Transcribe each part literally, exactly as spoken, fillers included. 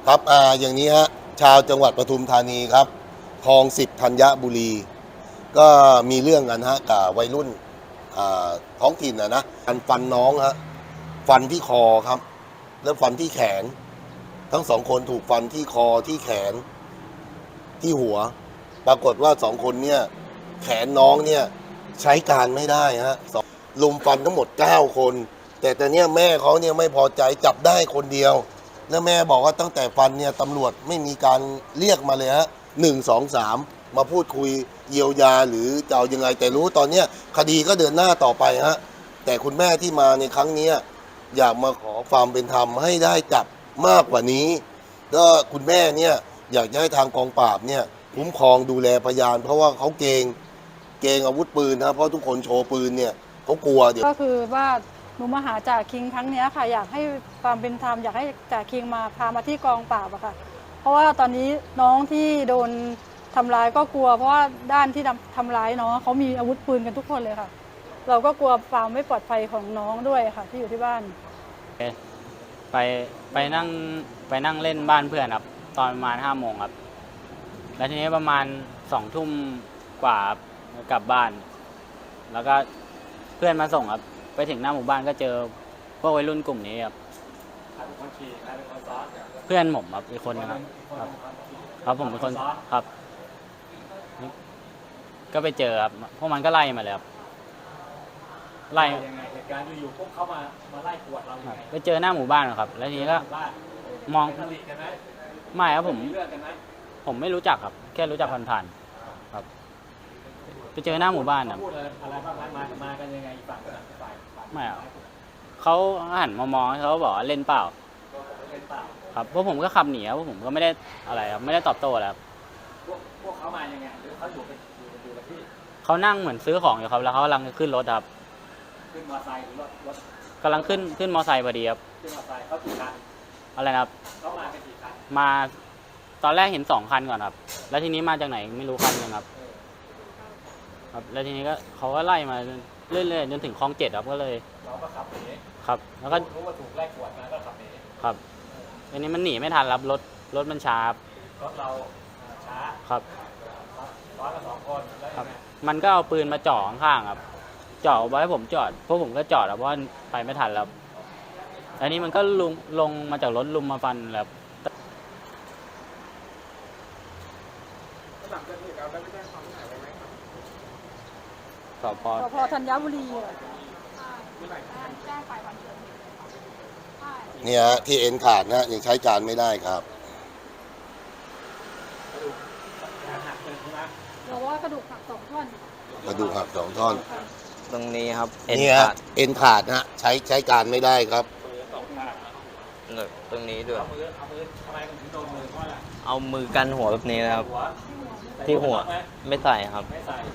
ครับอ่าอย่างนี้ฮะชาวจังหวัดปทุมธานีครับคลองสิบธัญบุรีก็มีเรื่องกันฮะกับวัยรุ่นอ่าท้องถิ่นนะนะการฟันน้องฮะฟันที่คอครับแล้วฟันที่แขนทั้งสองคนถูกฟันที่คอที่แขนที่หัวปรากฏว่าสองคนเนี่ยแขนน้องเนี่ยใช้การไม่ได้ฮะสองลุมฟันทั้งหมดเก้าคนแต่แต่เนี่ยแม่เขาเนี่ยไม่พอใจจับได้คนเดียวแล้วแม่บอกว่าตั้งแต่ฟันเนี่ยตำรวจไม่มีการเรียกมาเลยฮะหนึ่งสองสามมาพูดคุยเยียวยาหรือจะเอายังไงแต่รู้ตอนเนี้ยคดีก็เดินหน้าต่อไปฮะแต่คุณแม่ที่มาในครั้งนี้อยากมาขอความเป็นธรรมให้ได้จับมากกว่านี้ก็คุณแม่เนี่ยอยากจะให้ทางกองปราบเนี่ยคุ้มครองดูแลพยาน เพราะว่าเขาเกรงเกรงอาวุธปืนนะเพราะทุกคนโชว์ปืนเนี่ยเขากลัวเดี๋ยวก็คือว่าหนูมาหาจ่าคิงครั้งนี้ค่ะอยากให้ความเป็นธรรมอยากให้จ่าคิงมาพามาที่กองปราบอะค่ะเพราะว่าตอนนี้น้องที่โดนทำร้ายก็กลัวเพราะว่าด้านที่ทำร้ายน้องเขามีอาวุธปืนกันทุกคนเลยค่ะเราก็กลัวความไม่ปลอดภัยของน้องด้วยค่ะที่อยู่ที่บ้านไปไปนั่งไปนั่งเล่นบ้านเพื่อนครับตอนประมาณห้าโมงครับแล้วทีนี้ประมาณสองทุ่มกว่ากลับบ้านแล้วก็เพื่อนมาส่งครับไปถึงหน้าหมู่บ้านก็เจอพวกวัยรุ่นกลุ่มนี้ครับเพื่อนผมครับอีกคนนะครับครับครับผมเป็นคนครับ ก็ไปเจอครับพวกมันก็ไล่มาเลยครับไล่ยังไงเหตุการณ์อยู่ๆพวกเขามามาไล่กวดเราอย่างไรไปเจอหน้าหมู่บ้านครับแล้วทีนี้ก็มองไม่ครับผมผมไม่รู้จักครับแค่รู้จักผ่านๆครับไปเจอหน้าหมู่บ้านครับอะไรบ้างมามากันยังไงฝั่งฝ่ายไม่ครับเขาหันมามองเขาบอกว่าเล่นเปล่าครับพวกผมก็ขับหนีพวกผมก็ไม่ได้อะไรครับไม่ได้ตอบโต้แล้วพวกพวกเขามายังไงหรือเขาอยู่เป็นอยู่กับที่เขานั่งเหมือนซื้อของอยู่ครับแล้วเขากำลังขึ้นรถครับขึ้นมอเตอร์ไซค์หรือรถรถกำลังขึ้นขึ้นมอเตอร์ไซค์พอดีครับขึ้นมอเตอร์ไซค์เขากี่คันอะไรนะครับเขามากันกี่คันมาตอนแรกเห็นสองคันก่อนครับแล้วทีนี้มาจากไหนไม่รู้คันนึงครับครับแล้วทีนี้ก็เขาก็ไล่มาเรื่อยๆจนถึงคลองเจ็ดครับก็เลยเราก็ขับหนีครับแล้วก็รู้ว่าถูกไล่กวดมาก็ขับหนีครับทีนี้มันหนีไม่ทันครับรถรถมันช้ารถเราช้าครับร้อยละสองคนครับมันก็เอาปืนมาจ่อข้างๆครับจ่อไว้ให้ผมจอดพวกผมก็จอดเพราะว่าไปไม่ทันแล้วอันนี้มันก็ลงลงมาจากรถลุมมาฟันแล้วสพสพธัญบุรีเนี่ยที่เอ็นขาดนะยังใช้การไม่ได้ครับเราว่ากระดูกหักสองท่อนกระดูกหักสองท่อนตรงนี้ครับเอ็นเนี่ยขาดเอ็นขาดนะใช้ใช้การไม่ได้ครับตรงนี้ด้วยเอามือกันหัวแบบนี้นะครับที่หัวไม่ใส่ครับ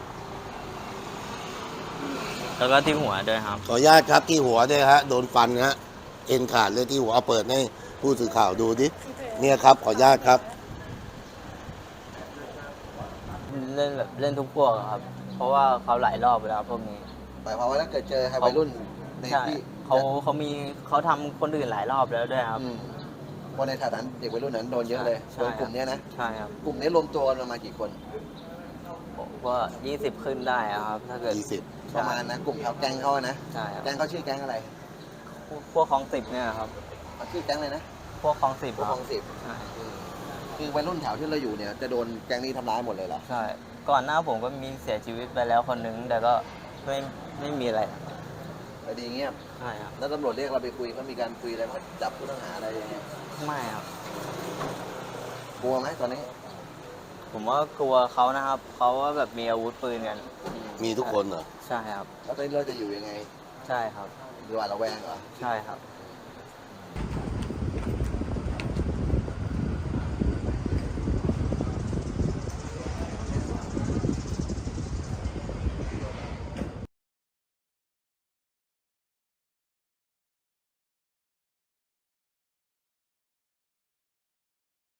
แล้วก็ที่หัวด้วยครับขออนุญาตครับที่หัวด้วยฮะโดนฟันฮะเอ็นขาดเลยที่หัวเอาเปิดให้ผู้สื่อข่าวดูดิเนี่ยครับขออนุญาตครับเล่นแบบเล่นทุกพวกครับเพราะว่าเขาหลายรอบไปแล้วพวกนี้หมายความว่าถ้าเกิดเจอใครวัยรุ่นในที่เขาเขามีเขาทำคนอื่นหลายรอบแล้วด้วยครับคนในฐานะเด็กวัยรุ่นนั้นโดนเยอะเลยโดนกลุ่มนี้นะใช่ครับกลุ่มนี้รวมตัวกันมากี่คนก็ยี่สิบขึ้นได้ครับถ้าเกิดยี่สิบประมาณนะกลุ่มเขาแก๊งเขานะใช่ครับแก๊งเขาชื่อแก๊งอะไรพวกคลองสิบเนี่ยครับชื่อแก๊งเลยนะพวกคลองสิบพวกคลองสิบคือวัยรุ่นแถวที่เราอยู่เนี่ยจะโดนแก๊งนี้ทำร้ายหมดเลยเหรอใช่ก่อนหน้าผมก็มีเสียชีวิตไปแล้วคนนึงแต่ก็ไม่ไม่มีอะไรคดีเงียบใช่ครับแล้วตำรวจเรียกเราไปคุยเขามีการคุยอะไรเขาจับผู้ต้องหาอะไรอย่างเงี้ยไม่ครับกลัวไหมตอนนี้ผมว่ากลัวเขานะครับเขาว่าแบบมีอาวุธปืนกันมีทุกคนเหรอใช่ครับแล้วตอนนี้เราจะอยู่ยังไงใช่ครับหรือว่าเราแวงเหรอใช่ครับ